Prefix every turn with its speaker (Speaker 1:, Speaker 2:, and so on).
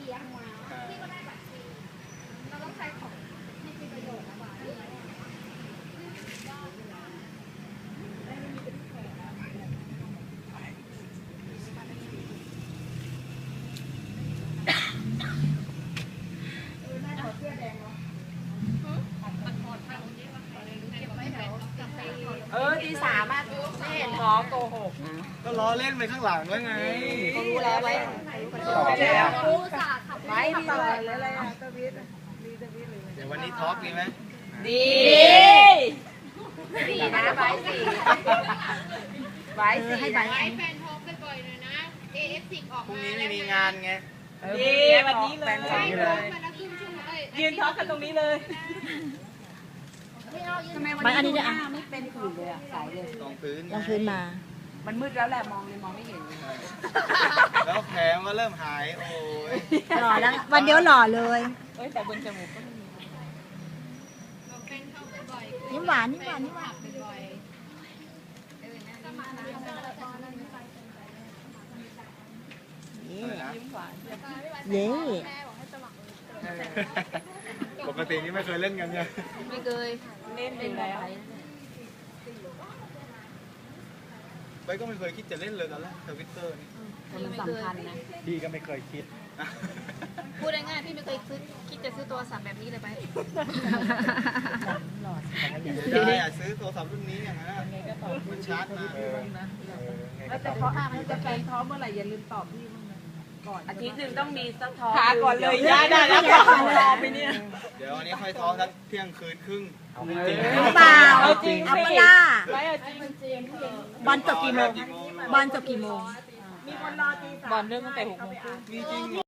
Speaker 1: ลี้ยงมาพี่ก็ได้บัตรฟรีเราต้องใช้ของที่มีประโยชน์นะว่า
Speaker 2: ตีสามอ่ะไม่เห็นท้องโกหกนะ
Speaker 3: ก็ล้อเล่นไปข้างหลังแล้วไง
Speaker 2: เขารู้แล้วไว้
Speaker 1: ครูสาขับ
Speaker 2: ไว้ดีเลยอะไรอ่ะ
Speaker 3: เดี๋ยววันนี้ทอล์กดีไหม
Speaker 2: ดีดีนะไว้สี่ไว้สี่ให้ไว้
Speaker 1: แฟนโทรไปบ่อยเลยนะ AF10 ออก
Speaker 3: พรุ่ง
Speaker 1: มา
Speaker 3: นี้ไม่มีงานไง
Speaker 2: ดีวันนี้เลยยืนท้องกันตรงนี้เลย
Speaker 4: มันอันนี้เนี่ยไม่เป็นผื่นเลยอ่ะใสเลย
Speaker 3: ลองพื้น
Speaker 4: ลองพื้นมา
Speaker 2: มันมืดแล้วแหละมองเลยมองไม่เห็น
Speaker 3: แล้วแผลก็เริ่มหายโอ้ย
Speaker 4: หล่อแล้ว วันเดียวหล่อเลย
Speaker 2: แต่บนจมูกก็ไม่มี
Speaker 4: ยิ้มหวานยิ้มหวานยิ้มหวาน
Speaker 2: ยิ้มหวาน
Speaker 4: เย้
Speaker 3: ปกตินี่ไม่เคยเล่นกันไง
Speaker 2: ไม่เคยเล่นอยู่แล้ว
Speaker 3: ไปก็ไม่เคยคิดจะเล่นเลยตอนแรกทวิตเตอร์นี่
Speaker 2: มันสำคัญนะ
Speaker 3: พี่ก็ไม่เคยคิด
Speaker 1: พูดง่ายๆพี่ไม่เคยคิดจะซื้อโทรศัพท์แบบนี้เลยไป
Speaker 3: ได้อะซื้อโทรศัพท์รุ่นนี้อย่างนั้นมันชาร์จมา
Speaker 2: แล้วแต่เขาจะแฟนท้องเมื่อไหร่อย่าลืมตอบพี่บ้างนะก่อนอาทิตย์หนึ่งต้องมีสักท้องพาก่อนเลยได้แล้วรอไปเนี่ย
Speaker 3: เดี๋ยววันนี้ค่อยท้องสักเที่ยงคืนครึ่งจริง
Speaker 4: เปล่า
Speaker 2: เอาจริง
Speaker 4: เอาเปล่า
Speaker 2: ไม่เอาจริง
Speaker 4: บอลจบกี่โมงบอลจบกี่โมง
Speaker 2: มีคนรอตีสามบอลเริ่มตั้งแต่6 โมงครึ่ง
Speaker 3: มีจริง